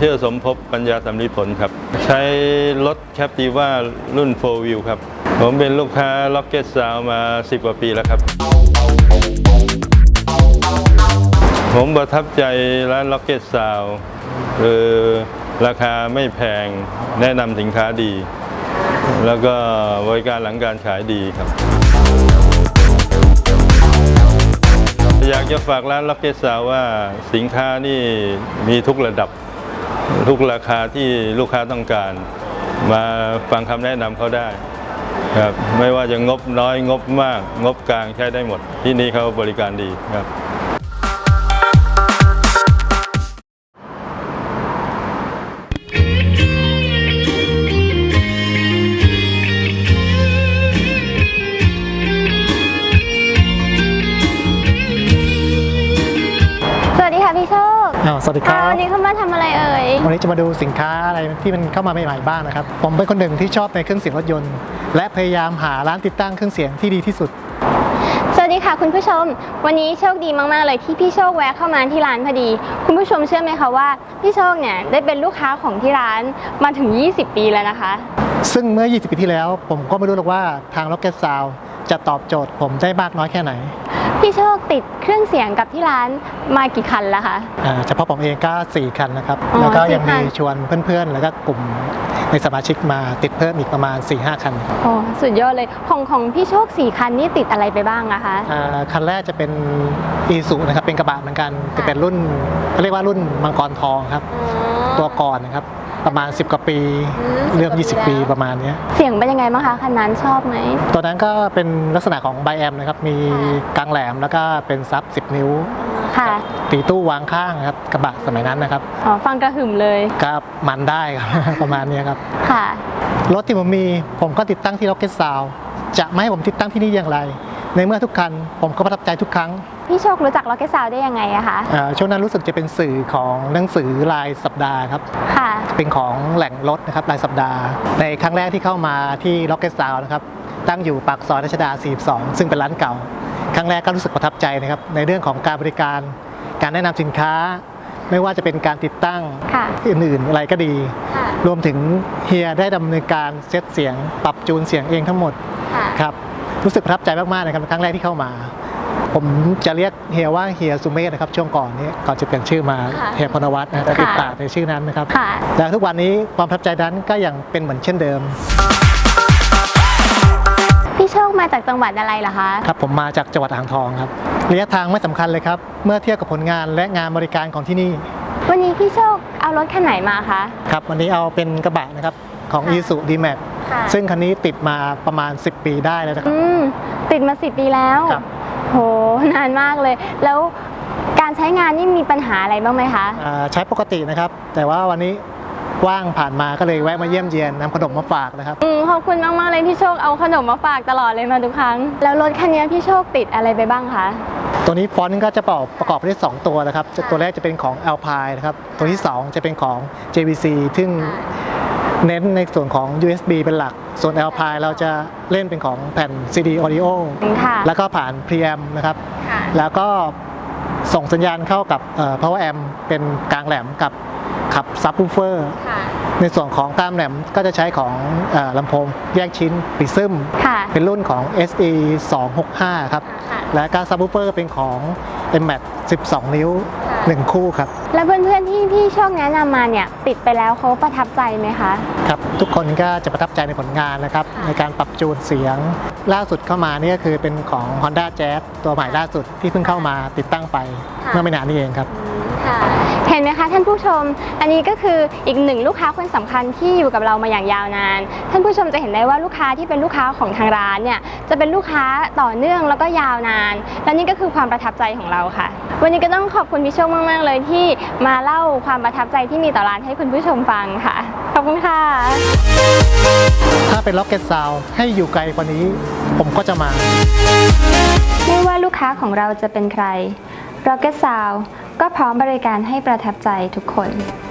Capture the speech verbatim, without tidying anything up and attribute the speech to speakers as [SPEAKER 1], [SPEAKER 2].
[SPEAKER 1] ชื่อสมภพปัญญาสำลิดผลครับใช้รถแคปติว่ารุ่นโฟร์วิวครับผมเป็นลูกค้าล็อกเก็ตซาวมาสิบกว่าปีแล้วครับผมประทับใจร้านล็อกเก็ตซาวคือราคาไม่แพงแนะนำสินค้าดีแล้วก็บริการหลังการขายดีครับอยากจะฝากร้านล็อกเก็ตซาวว่าสินค้านี่มีทุกระดับทุกราคาที่ลูกค้าต้องการมาฟังคำแนะนำเขาได้ครับไม่ว่าจะงบน้อยงบมากงบกลางใช้ได้หมดที่นี่เขาบริการดีครับ
[SPEAKER 2] พี่โชค
[SPEAKER 3] สวัสดีครับ
[SPEAKER 2] วันนี้เข้ามาทำอะไรเอ่ย
[SPEAKER 3] วันนี้จะมาดูสินค้าอะไรที่มันเข้ามาใหม่ๆบ้างนะครับผมเป็นคนหนึ่งที่ชอบในเครื่องเสียงรถยนต์และพยายามหาร้านติดตั้งเครื่องเสียงที่ดีที่สุด
[SPEAKER 2] สวัสดีค่ะคุณผู้ชมวันนี้โชคดีมากๆเลยที่พี่โชคแวะเข้ามาที่ร้านพอดีคุณผู้ชมเชื่อไหมคะว่าพี่โชคเนี่ยได้เป็นลูกค้าของที่ร้านมาถึงยี่สิบปีแล้วนะคะ
[SPEAKER 3] ซึ่งเมื่อยี่สิบปีที่แล้วผมก็ไม่รู้หรอกว่าทาง Rocket Sound จะตอบโจทย์ผมได้มากน้อยแค่ไหน
[SPEAKER 2] พี่โชคติดเครื่องเสียงกับที่ร้านมากี่คันแล้วคะ
[SPEAKER 3] เฉพาะผมเองก็สี่คันนะครับแล้วก็ยังมีชวนเพื่อนๆแล้วก็กลุ่มในสมาชิกมาติดเพิ่มอีกประมาณ สี่ห้า คัน
[SPEAKER 2] โอ้สุดยอดเลยของของพี่โชคสี่คันนี่ติดอะไรไปบ้างอะคะ
[SPEAKER 3] คันแรกจะเป็นอีซูนะครับเป็นกระบะเหมือนกันจะเป็นรุ่นเขาเรียกว่ารุ่นมังกรทองครับตัวก่อนนะครับประมาณสิบกว่าปีเริ่มยี่สิบปีประมาณนี้
[SPEAKER 2] เสียงเป็นยังไงบ้างคะคันนั้นชอบไหม
[SPEAKER 3] ตัวนั้นก็เป็นลักษณะของไบแอมนะครับมีกลางแหลมแล้วก็เป็นซับสิบนิ้ว
[SPEAKER 2] ค่ะ
[SPEAKER 3] ตีตู้วางข้างครับกระบะสมัยนั้นนะครับ
[SPEAKER 2] อ๋อฟังกระหึ่มเลย
[SPEAKER 3] ก็มันได้ครับประมาณนี้ครับ
[SPEAKER 2] ค่ะ
[SPEAKER 3] รถที่ผมมีผมก็ติดตั้งที่ Rocket Sound จะไม่ให้ผมติดตั้งที่นี่อย่างไรในเมื่อทุกคันผมก็ประทับใจทุกครั้ง
[SPEAKER 2] พี่โชครู้จัก Rocket Sound ได้ยังไงอะคะ
[SPEAKER 3] ช่วงนั้นรู้สึกจะเป็นสื่อของหนังสือรายสัปดาห์ครับ
[SPEAKER 2] ค่ะ
[SPEAKER 3] เป็นของแหล่งรถนะครับรายสัปดาห์ในครั้งแรกที่เข้ามาที่ Rocket Sound นะครับตั้งอยู่ปากซอยรัชดาสี่สิบสองซึ่งเป็นร้านเก่าครั้งแรกก็รู้สึกประทับใจนะครับในเรื่องของการบริการการแนะนำสินค้าไม่ว่าจะเป็นการติดตั้งอื่นๆอะไรก็ดีรวมถึงเฮียได้ดำเนินการเซตเสียงปรับจูนเสียงเองทั้งหมดครับรู้สึกประทับใจมากๆนะครับครั้งแรกที่เข้ามาผมจะเรียกเฮียว่าเฮียสุเมธนะครับช่วงก่อนนี้ก่อนจะเปลี่ยนชื่อมาเฮียพนวัฒน์นะจะติดปากในชื่อนั้นนะครับแต่ทุกวันนี้ความประทับใจนั้นก็ยังเป็นเหมือนเช่นเดิม
[SPEAKER 2] พี่โชคมาจากจังหวัดอะไรเหรอคะ
[SPEAKER 3] ครับผมมาจากจังหวัดอ่างทองครับระยะทางไม่สำคัญเลยครับเมื่อเทียบกับผลงานและงานบริการของที่นี่
[SPEAKER 2] วันนี้พี่โชคเอารถคันไหนมาคะ
[SPEAKER 3] ครับวันนี้เอาเป็นกระบะนะครับของ Isuzu D-Max ซึ่งคันนี้ติดมาประมาณสิบปีได้แล้วนะครับ
[SPEAKER 2] ติดมาสิบปีแล้วโหนานมากเลยแล้วการใช้งานนี่มีปัญหาอะไรบ้างไหมคะ
[SPEAKER 3] ใช้ปกตินะครับแต่ว่าวันนี้ว่างผ่านมาก็เลยแวะมาเยี่ยมเยียนนำขนมมาฝากนะครับ
[SPEAKER 2] อืมขอบคุณมากมากเลยพี่โชคเอาขนมมาฝากตลอดเลยมาทุกครั้งแล้วรถคันนี้พี่โชคติดอะไรไปบ้างคะ
[SPEAKER 3] ตัวนี้ฟอนต์ก็จะประกอบไปด้วยสองตัวนะครับตัวแรกจะเป็นของ Alpine นะครับตัวที่สองจะเป็นของ เจ วี ซี ซึ่งเน้นในส่วนของ ยู เอส บี เป็นหลักส่วน Alpine เราจะเล่นเป็นของแผ่น ซี ดี Audio แล้วก็ผ่าน Preamp นะครับแล้วก็ส่งสัญญาณเข้ากับ Power Amp เป็นกลางแหลมกับขับซับวูฟเฟอร์ในส่วนของตามแหลมก็จะใช้ของลำโพงแยกชิ้นปิซึมเป็นรุ่นของ เอส อี สองหกห้า ครับและการซับวูฟเฟอร์เป็นของ เอ็ม แม็ก สิบสอง นิ้วหนึ่งคู่ครับ
[SPEAKER 2] แล้วเพื่อนๆที่พี่โชคแนะนำมาเนี่ยติดไปแล้วเขาประทับใจไหมคะ
[SPEAKER 3] ครับทุกคนก็จะประทับใจในผลงานนะครับในการปรับจูนเสียงล่าสุดเข้ามานี่ก็คือเป็นของ Honda Jazz ตัวใหม่ล่าสุดที่เพิ่งเข้ามาติดตั้งไปเมื่อไม่นานนี้เองครับ
[SPEAKER 2] เห็นไหมคะท่านผู้ชมอันนี้ก็คืออีกหนึ่งลูกค้าคนสำคัญที่อยู่กับเรามาอย่างยาวนานท่านผู้ชมจะเห็นได้ว่าลูกค้าที่เป็นลูกค้าของทางร้านเนี่ยจะเป็นลูกค้าต่อเนื่องแล้วก็ยาวนานและนี่ก็คือความประทับใจของเราค่ะวันนี้ก็ต้องขอบคุณพี่โชคมากๆเลยที่มาเล่าความประทับใจที่มีต่อร้านให้คุณผู้ชมฟังค่ะขอบคุณค่ะ
[SPEAKER 3] ถ้าเป็น Rocket Sound ให้อยู่ไกลกว่านี้ผมก็จะมา
[SPEAKER 2] ไม่ว่าลูกค้าของเราจะเป็นใคร Rocket Sound ก็พร้อมบริการให้ประทับใจทุกคน